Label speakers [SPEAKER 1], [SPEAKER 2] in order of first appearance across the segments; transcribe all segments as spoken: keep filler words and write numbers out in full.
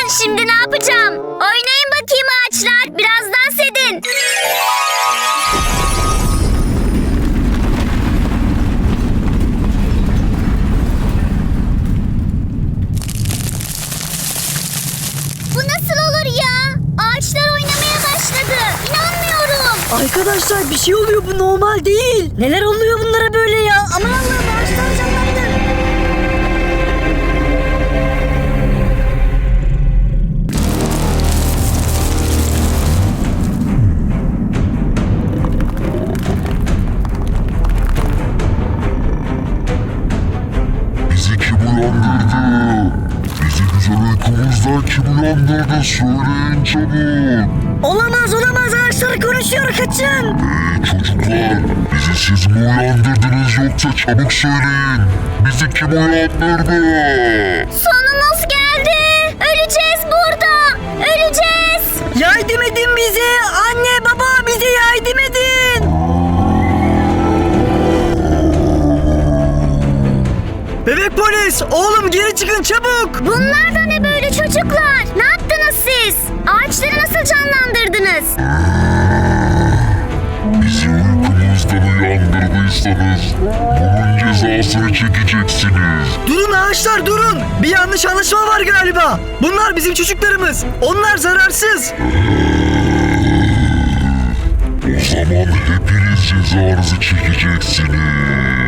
[SPEAKER 1] Şimdi ne yapacağım? Oynayın bakayım ağaçlar. Biraz dans edin. Bu nasıl olur ya? Ağaçlar oynamaya başladı. İnanmıyorum.
[SPEAKER 2] Arkadaşlar bir şey oluyor, bu normal değil. Neler oluyor bunlara böyle ya? Aman Allah'ım, ağaçlar canlandı.
[SPEAKER 3] Bizi kim uyandırdı? Bizi güzel uykumuzdan kim uyandırdı? Söyleyin çabuk.
[SPEAKER 2] Olamaz olamaz, ağaçlar konuşuyor, kaçın.
[SPEAKER 3] Hey çocuklar, bizi siz mi uyandırdınız yoksa çabuk söyleyin. Bizi kim uyandırdı?
[SPEAKER 1] Sonumuz geldi. Öleceğiz burada. Öleceğiz.
[SPEAKER 2] Yardım edin bize. Anne baba, bize yardım edin. Bebek polis, oğlum geri çıkın çabuk.
[SPEAKER 1] Bunlar da ne böyle çocuklar? Ne yaptınız siz? Ağaçları nasıl canlandırdınız?
[SPEAKER 3] Bizi uykumuzdan uyandırdıysanız bunun cezasını çekeceksiniz.
[SPEAKER 2] Durun ağaçlar, durun. Bir yanlış anlaşma var galiba. Bunlar bizim çocuklarımız. Onlar zararsız.
[SPEAKER 3] O zaman hepiniz cezanızı çekeceksiniz.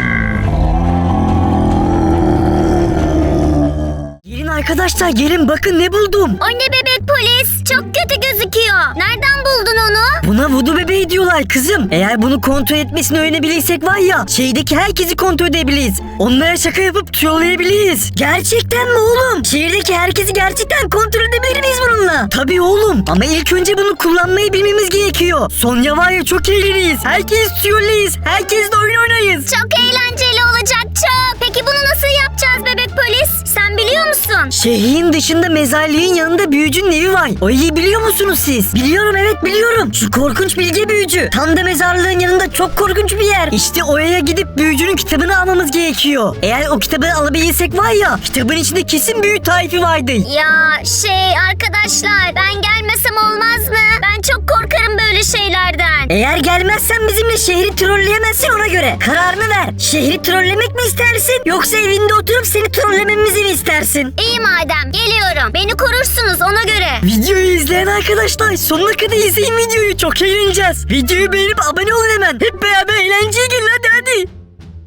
[SPEAKER 2] Gelin arkadaşlar, gelin bakın ne buldum.
[SPEAKER 1] O ne bebek polis? Çok kötü gözüküyor. Nereden buldun onu?
[SPEAKER 2] Buna vudu bebeği diyorlar kızım. Eğer bunu kontrol etmesini öğrenebilirsek var ya, şehirdeki herkesi kontrol edebiliriz. Onlara şaka yapıp trolleyebiliriz. Gerçekten mi oğlum? Şehirdeki herkesi gerçekten kontrol edebilir miyiz bununla? Tabii oğlum. Ama ilk önce bunu kullanmayı bilmemiz gerekiyor. Sonra var ya, çok eğleniriz. Herkes trolleyiz. Herkesle oyun oynayız.
[SPEAKER 1] Çok eğlenceli olacak çok. Peki bunu nasıl yapacağız bebek polis? Sen biliyor musun?
[SPEAKER 2] Şehrin dışında mezarlığın yanında büyücünün evi var. Orayı biliyor musunuz siz? Biliyorum, evet biliyorum. Şu korkunç bilge büyücü. Tam da mezarlığın yanında çok korkunç bir yer. İşte oraya gidip büyücünün kitabını almamız gerekiyor. Eğer o kitabı alabilirsek var ya, kitabın içinde kesin büyü tarifi vardır.
[SPEAKER 1] Ya şey arkadaşlar, ben gelmesem olmaz mı? Ben çok korkarım böyle şeylerden.
[SPEAKER 2] Eğer gelmezsen bizimle şehri trolleyemezsin, ona göre. Kararını ver. Şehri trollemek mi istersin, yoksa evinde oturup seni trollememizi mi istersin?
[SPEAKER 1] İyi madem, geliyorum. Beni korursunuz ona göre.
[SPEAKER 2] Videoyu izleyen arkadaşlar sonuna kadar izleyin videoyu, çok eğleneceğiz. Videoyu beğenip abone olun hemen. Hep beraber eğlenceye gelin, hadi hadi.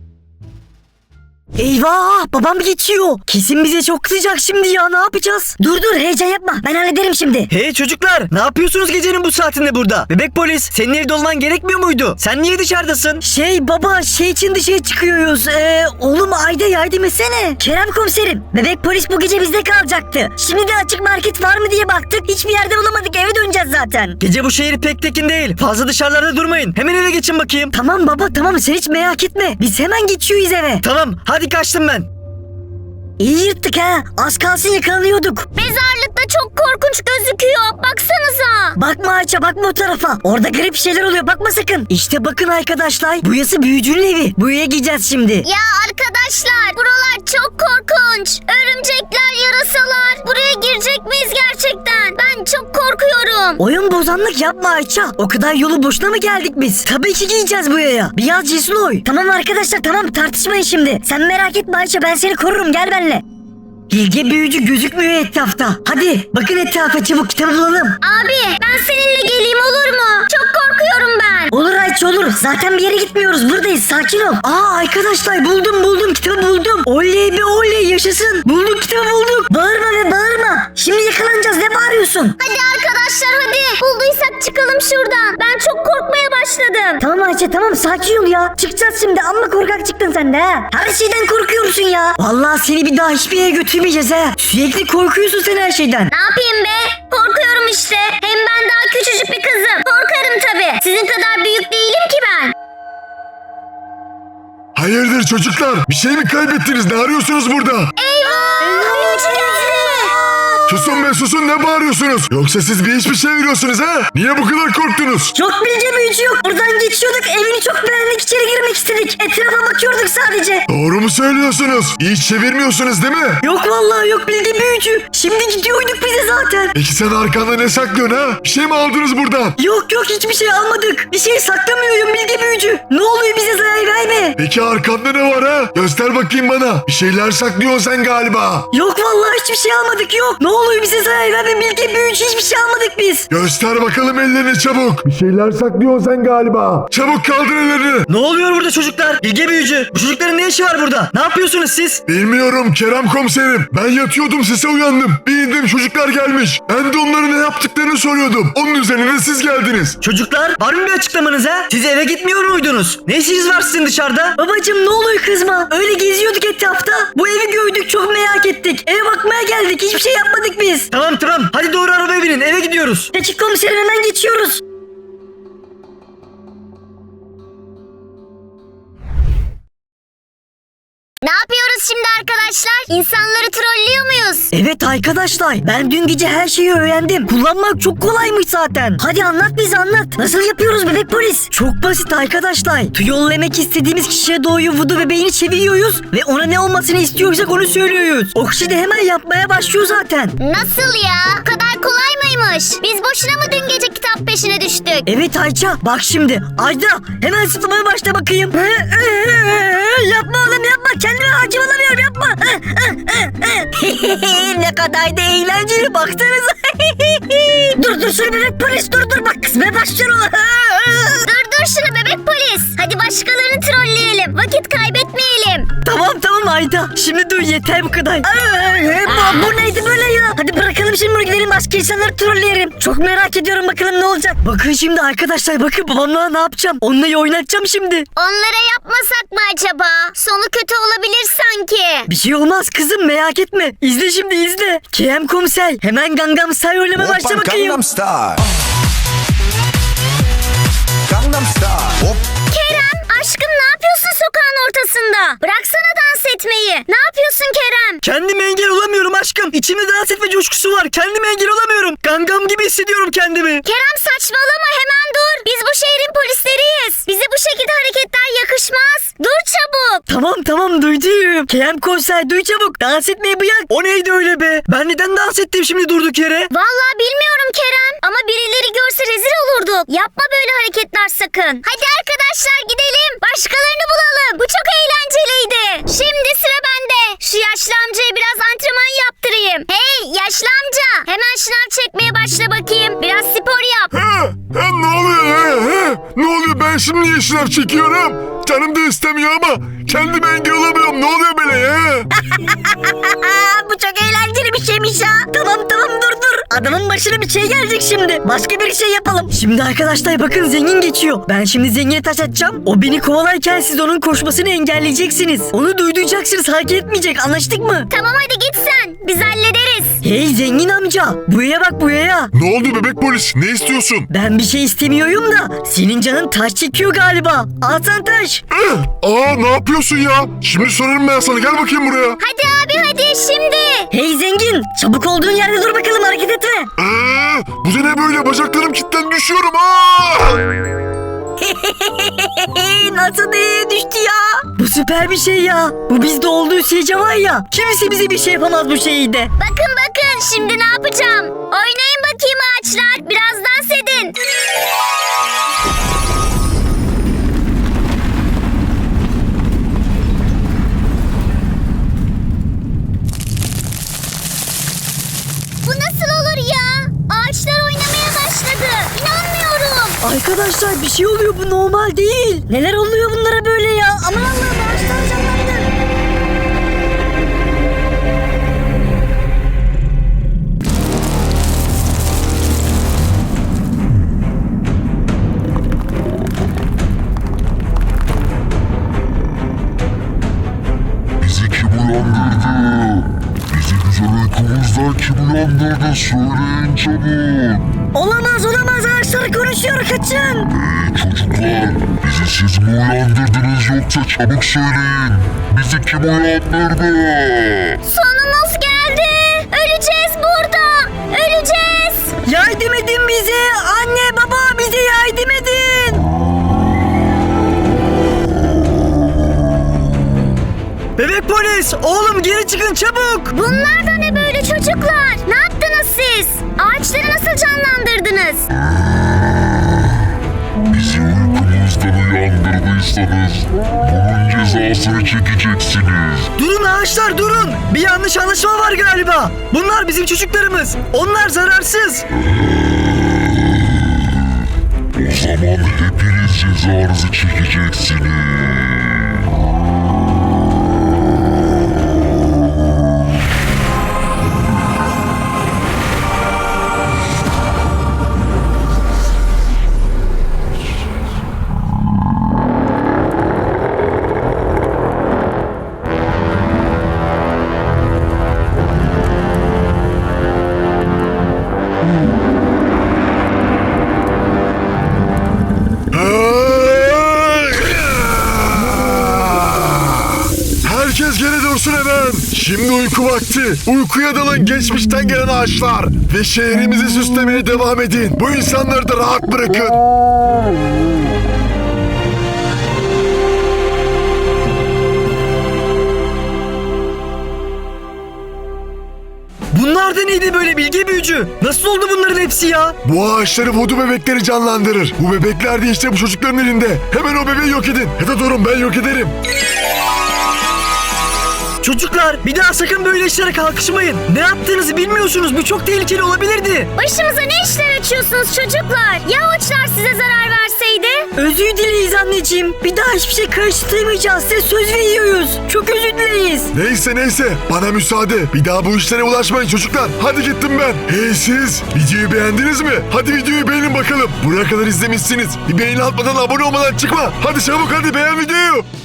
[SPEAKER 2] Eyvah, babam geçiyor. Kesin bize çok kızacak şimdi ya, ne yapacağız? Dur dur, heyecan yapma, ben hallederim şimdi.
[SPEAKER 4] Hey çocuklar, ne yapıyorsunuz gecenin bu saatinde burada? Bebek polis, senin evde olman gerekmiyor muydu? Sen niye dışarıdasın?
[SPEAKER 2] Şey baba, şey için dışarı çıkıyoruz. Ee, oğlum Ayda yardım etsene. Kerem komiserim, bebek polis bu gece bizde kalacaktı. Şimdi de açık market var mı diye baktık. Hiçbir yerde bulamadık, eve döneceğiz zaten.
[SPEAKER 4] Gece bu şehir pek tekin değil. Fazla dışarılarda durmayın. Hemen eve geçin bakayım.
[SPEAKER 2] Tamam baba, tamam, sen hiç merak etme. Biz hemen geçiyoruz eve.
[SPEAKER 4] Tamam, hadi kaçtım ben.
[SPEAKER 2] İyi yırttık ha. Az kalsın yakalanıyorduk.
[SPEAKER 1] Mezarlıkta çok korkunç gözüküyor. Baksanıza.
[SPEAKER 2] Bakma Ayça, bakma o tarafa. Orada garip şeyler oluyor, bakma sakın. İşte bakın arkadaşlar. Burası büyücünün evi. Buraya gideceğiz şimdi.
[SPEAKER 1] Ya arkadaşlar, buralar çok korkunç. Örümcekler, yarasalar. Buraya girecek miyiz gerçekten? Ben çok korkuyorum.
[SPEAKER 2] Oyun bozanlık yapma Ayça. O kadar yolu boşuna mı geldik biz? Tabii ki gideceğiz buraya. Biraz cesur oy. Tamam arkadaşlar, tamam, tartışmayın şimdi. Sen merak etme Ayça, ben seni korurum, gel benimle. Bilge büyücü gözükmüyor etrafta. Hadi bakın etrafa, çabuk kitabı bulalım.
[SPEAKER 1] Abi, ben seninle geleyim olur mu? Çok korkuyorum ben.
[SPEAKER 2] Olur Ayça, olur. Zaten bir yere gitmiyoruz, buradayız, sakin ol. Aa arkadaşlar, buldum buldum kitabı buldum. Oley be oley, yaşasın. Bulduk kitabı bulduk. Bağırma ve bağırma. Şimdi yakalanacağız, ne bağırıyorsun?
[SPEAKER 1] Hadi arkadaşlar hadi. Bulduysak çıkalım şuradan. Ben çok korkmaya başladım.
[SPEAKER 2] Tamam Ayça, tamam, sakin ol ya. Çıkacağız şimdi, amma korkak çıktın sen de ha. Her şeyden korkuyorsun ya. Vallahi seni bir daha hiçbir yere götürmeyeceğiz ha. Sürekli korkuyorsun sen her şeyden.
[SPEAKER 1] Ne yapayım be? Korkuyorum işte. Hem ben daha küçücük bir kızım. Korkarım tabii. Sizin kadar büyük değilim ki ben.
[SPEAKER 3] Hayırdır çocuklar? Bir şey mi kaybettiniz? Ne arıyorsunuz burada?
[SPEAKER 1] Eyvah! Büyücü geldi.
[SPEAKER 3] Susun be susun, ne bağırıyorsunuz? Yoksa siz bir iş mi çeviriyorsunuz ha? Niye bu kadar korktunuz?
[SPEAKER 2] Yok bilge büyücü yok. Buradan geçiyorduk. Evini çok beğendik. İçeri girmek istedik. Etrafa bakıyorduk sadece.
[SPEAKER 3] Doğru mu söylüyorsunuz? İş çevirmiyorsunuz değil mi?
[SPEAKER 2] Yok vallahi yok bilge büyücü. Şimdi gidiyorduk bize zaten.
[SPEAKER 3] Peki sen arkanda ne saklıyorsun ha? Bir şey mi aldınız buradan?
[SPEAKER 2] Yok yok hiçbir şey almadık. Bir şey saklamıyorum bilge büyücü. Ne oluyor bize zarar verme.
[SPEAKER 3] Peki arkanda ne var ha? Göster bakayım bana. Bir şeyler saklıyorsun sen galiba.
[SPEAKER 2] Yok vallahi hiçbir şey almadık yok. Ne oluyor bize zarar verme bilge büyücü, hiçbir şey almadık biz.
[SPEAKER 3] Göster bakalım ellerini çabuk. Bir şeyler saklıyorsun sen galiba. Çabuk kaldır ellerini.
[SPEAKER 4] Ne oluyor burada çocuklar? Bilge büyücü. Bu çocukların ne işi var burada? Ne yapıyorsunuz siz?
[SPEAKER 3] Bilmiyorum Kerem komiserim. Ben yatıyordum, sese uyandım. Bir indim, çocuklar gelmiş. Ben de onların ne yaptıklarını soruyordum. Onun üzerine siz geldiniz.
[SPEAKER 4] Çocuklar var mı bir açıklamanız ha? Siz eve gitmiyor muydunuz? Ne işiniz var sizin dışarıda?
[SPEAKER 2] Babacım ne oluyor kızma? Öyle geziyorduk etrafta. Bu evi gördük, çok merak ettik. Eve bakmaya geldik, hiçbir şey yapmadık biz.
[SPEAKER 4] Tamam tamam. Hadi doğru arabaya binin. Eve gidiyoruz.
[SPEAKER 2] Peki komiserim, hemen geçiyoruz.
[SPEAKER 1] Ne yapıyoruz şimdi arkadaşlar? İnsanları trollüyor muyuz?
[SPEAKER 2] Evet arkadaşlar, ben dün gece her şeyi öğrendim. Kullanmak çok kolaymış zaten. Hadi anlat, bize anlat. Nasıl yapıyoruz bebek polis? Çok basit arkadaşlar. Yollamak istediğimiz kişiye doğru vudu bebeğini çeviriyoruz ve ona ne olmasını istiyorsak onu söylüyoruz. O kişi de hemen yapmaya başlıyor zaten.
[SPEAKER 1] Nasıl ya? Bu kadar kolay mıymış? Biz boşuna mı dün gece kitap peşine düştük?
[SPEAKER 2] Evet Ayça, bak şimdi. Ayda hemen sıtlamaya başla bakayım. Yapma oğlum yapma. Kendime hakim olamıyorum, yapma. Ne kadar da eğlenceli, baksanıza. Dur dur şunu bebek polis, dur dur bak kızmaya başlıyorum.
[SPEAKER 1] Dur dur şunu bebek polis. Hadi başkalarını trolleyelim. Vakit kaybetmeyelim.
[SPEAKER 2] Tamam tamam Ayda. Şimdi dur, yeter bu kadar. bu, bu neydi böyle ya? Hadi bırakalım şimdi bunu, gidelim başka insanları trolleyelim. Çok merak ediyorum bakalım ne olacak. Bakın şimdi arkadaşlar, bakın babamla ne yapacağım. Onunla oynatacağım şimdi.
[SPEAKER 1] Onlara yapmasak mı acaba? Sonu kötü olabilir sanki.
[SPEAKER 2] Bir şey olmaz kızım, merak etme. İzle şimdi izle. Kerem komiser hemen Gangnam Style oynamaya başla
[SPEAKER 5] Oppa
[SPEAKER 2] bakayım.
[SPEAKER 5] Gangnam Style. Gangnam Style. Hop.
[SPEAKER 1] Kerem aşkım ne yapıyorsun sokağın ortasında? Bıraksana dans etmeyi. Ne yapıyorsun Kerem?
[SPEAKER 4] Kendime engel olamıyorum aşkım. İçimde dans etme coşkusu var. Kendime engel olamıyorum. Gangam gibi hissediyorum kendimi.
[SPEAKER 1] Kerem saçmalama, hemen dur. Biz bu şehrin polisleriyiz. Bize bu şekilde hareketler yakışmaz. Dur çabuk.
[SPEAKER 2] Tamam tamam duydum. Kerem komiser duy çabuk. Dans etmeyi bırak.
[SPEAKER 4] O neydi öyle be? Ben neden dans ettim şimdi durduk yere?
[SPEAKER 1] Vallahi bilmiyorum Kerem. Ama birileri görse rezil olurduk. Yapma böyle hareketler sakın. Hadi arkadaşlar gidelim. Başkalarını bulalım. Bu çok eğlenceliydi. Şimdi sıra bende. Şu yaşlı amcaya biraz antrenman yaptırayım. Hey yaşlı amca. Hemen şınav çekmeye başla bakayım. Biraz spor yap.
[SPEAKER 3] He, he, ne oluyor he, he? Ne oluyor, ben şimdi niye şınav çekiyorum? Canım da istemiyor ama kendime engel olamıyorum. Ne oluyor böyle ya?
[SPEAKER 2] Bu çok eğlenceli bir şeymiş ya. Tamam tamam dur dur. Adamın başına bir şey gelecek şimdi. Başka bir şey yapalım. Şimdi arkadaşlar bakın, zengin geçiyor. Ben şimdi zengine taş atacağım. O beni kovalarken siz onun koşmasını engelleyeceksiniz. Onu duyduyacaksınız, hareket etmeyecek, anlaştık mı?
[SPEAKER 1] Tamam hadi git sen. Biz hallederiz.
[SPEAKER 2] Hey zengin amca, buraya bak buraya.
[SPEAKER 3] Ne oldu bebek polis? Ne istiyorsun?
[SPEAKER 2] Ben bir şey istemiyorum da senin canın taş çekiyor galiba. Al sen taş.
[SPEAKER 3] Eh, aa ne yapıyorsun ya? Şimdi sorarım ben sana. Gel bakayım buraya.
[SPEAKER 1] Hadi abi hadi şimdi.
[SPEAKER 2] Hey zengin, çabuk olduğun yerde dur bakalım, hareket etme.
[SPEAKER 3] Ee, bu da ne böyle? Bacaklarım kilitlen, düşüyorum. Aa!
[SPEAKER 2] Nasıl nereye düştü ya? Bu süper bir şey ya. Bu bizde olduğu sürece var ya, kimse bize bir şey yapamaz bu şeyde.
[SPEAKER 1] Bakın bakın şimdi ne yapacağım. Oynayın bakayım ağaçlar. Biraz dans edin. Bu nasıl olur ya? Ağaçlar oynamaya başladı. İnanmıyorum.
[SPEAKER 2] Arkadaşlar bir şey oluyor, bu normal değil. Neler oluyor bunlara böyle ya? Aman Allah'ım, ağaçlar canlandı.
[SPEAKER 3] Bizi kim uyandırdı? Bizi güzel uykumuzdan kim uyandırdı? Söyleyin çabuk.
[SPEAKER 2] Olamaz olamaz, ağaçlar konuşuyor, kaçın.
[SPEAKER 3] Hey çocuklar, bizi siz mi uyandırdınız yoksa çabuk söyleyin. Bizi kim uyandırdı?
[SPEAKER 1] Sonumuz geldi. Öleceğiz burada.
[SPEAKER 4] gidiyoruz? Oğlum geri çıkın çabuk.
[SPEAKER 1] Bunlar da ne böyle çocuklar? Ne yaptınız siz? Ağaçları nasıl canlandırdınız?
[SPEAKER 3] Bizi uykumuzdan uyandırdıysanız bunun cezasını çekeceksiniz.
[SPEAKER 4] Durun ağaçlar durun. Bir yanlış anlaşma var galiba. Bunlar bizim çocuklarımız. Onlar zararsız.
[SPEAKER 3] O zaman hepiniz cezanızı çekeceksiniz. Herkes geri dursun hemen. Şimdi uyku vakti. Uykuya dalın geçmişten gelen ağaçlar. Ve şehrimizi süslemeye devam edin. Bu insanları da rahat bırakın.
[SPEAKER 4] Bunlar da neydi böyle bilge büyücü? Nasıl oldu bunların hepsi ya?
[SPEAKER 3] Bu ağaçları voodoo bebekleri canlandırır. Bu bebekler de işte bu çocukların elinde. Hemen o bebeği yok edin. Ya da durun ben yok ederim.
[SPEAKER 4] Çocuklar bir daha sakın böyle işlere kalkışmayın. Ne yaptığınızı bilmiyorsunuz. Bu çok tehlikeli olabilirdi.
[SPEAKER 1] Başımıza ne işler açıyorsunuz çocuklar? Ya uçlar size zarar verseydi?
[SPEAKER 2] Özür dileyiz anneciğim. Bir daha hiçbir şey karıştırmayacağız. Size söz veriyoruz. Çok özür dileyiz.
[SPEAKER 3] Neyse neyse bana müsaade. Bir daha bu işlere ulaşmayın çocuklar. Hadi gittim ben. Hey siz videoyu beğendiniz mi? Hadi videoyu beğenin bakalım. Buraya kadar izlemişsiniz. Bir beğeni atmadan abone olmadan çıkma. Hadi çabuk hadi beğen videoyu.